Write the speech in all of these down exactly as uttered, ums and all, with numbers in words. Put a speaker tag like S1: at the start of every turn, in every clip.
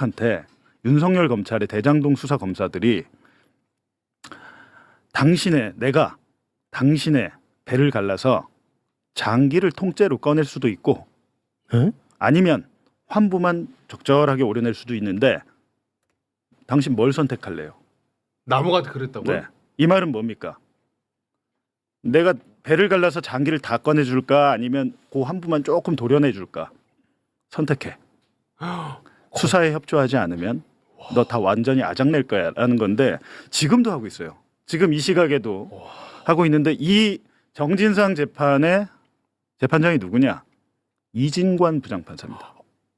S1: 가족한테 윤석열 검찰의 대장동 수사 검사들이 당신의 내가 당신의 배를 갈라서 장기를 통째로 꺼낼 수도 있고
S2: 에?
S1: 아니면 환부만 적절하게 오려낼 수도 있는데 당신 뭘 선택할래요?
S3: 나무가 그랬다고요?
S1: 네. 이 말은 뭡니까? 내가 배를 갈라서 장기를 다 꺼내줄까 아니면 그 환부만 조금 도려내줄까? 선택해. 수사에 협조하지 않으면 너 다 완전히 아작낼 거야라는 건데 지금도 하고 있어요. 지금 이 시각에도 하고 있는데 이 정진상 재판의 재판장이 누구냐? 이진관 부장판사입니다.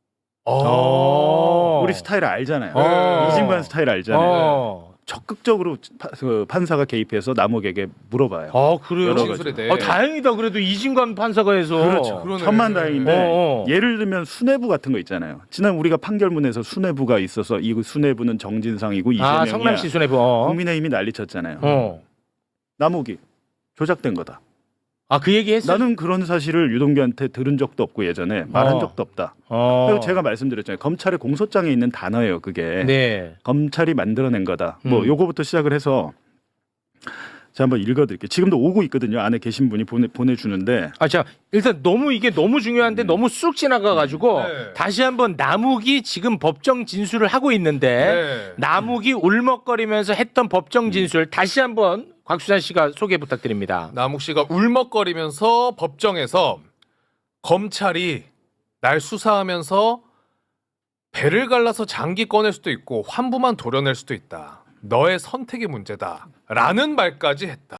S2: 어.
S1: 우리 스타일 알잖아요.
S2: 어.
S1: 이진관 스타일 알잖아요.
S2: 어.
S1: 적극적으로 파- 그 판사가 개입해서 남욱에게 물어봐요.
S2: 아 그래요?
S1: 여러
S3: 진술에 대해.
S2: 아, 다행이다. 그래도 이진관 판사가 해서.
S1: 그렇죠.
S3: 그러네.
S1: 천만다행인데
S2: 어, 어.
S1: 예를 들면 수뇌부 같은 거 있잖아요. 지난 우리가 판결문에서 수뇌부가 있어서 이 수뇌부는 정진상이고
S2: 아
S1: 이재명이야.
S2: 성남시 수뇌부. 어.
S1: 국민의힘이 난리쳤잖아요.
S2: 어.
S1: 남욱이 조작된 거다.
S2: 아 그 얘기 했어?
S1: 나는 그런 사실을 유동규한테 들은 적도 없고 예전에 말한
S2: 어.
S1: 적도 없다.
S2: 어.
S1: 그리고 제가 말씀드렸잖아요. 검찰의 공소장에 있는 단어예요. 그게
S2: 네.
S1: 검찰이 만들어낸 거다. 뭐
S2: 음.
S1: 요거부터 시작을 해서 제가 한번 읽어드릴게요. 지금도 오고 있거든요. 안에 계신 분이 보내 보내주는데
S2: 아, 자 일단 너무 이게 너무 중요한데 너무 쑥 지나가가지고
S3: 네.
S2: 다시 한번 남욱이 지금 법정 진술을 하고 있는데
S3: 네.
S2: 남욱이 울먹거리면서 했던 법정 진술 다시 한번 곽수산 씨가 소개 부탁드립니다.
S3: 남욱 씨가 울먹거리면서 법정에서 검찰이 날 수사하면서 배를 갈라서 장기 꺼낼 수도 있고 환부만 도려낼 수도 있다. 너의 선택이 문제다. 라는 말까지 했다.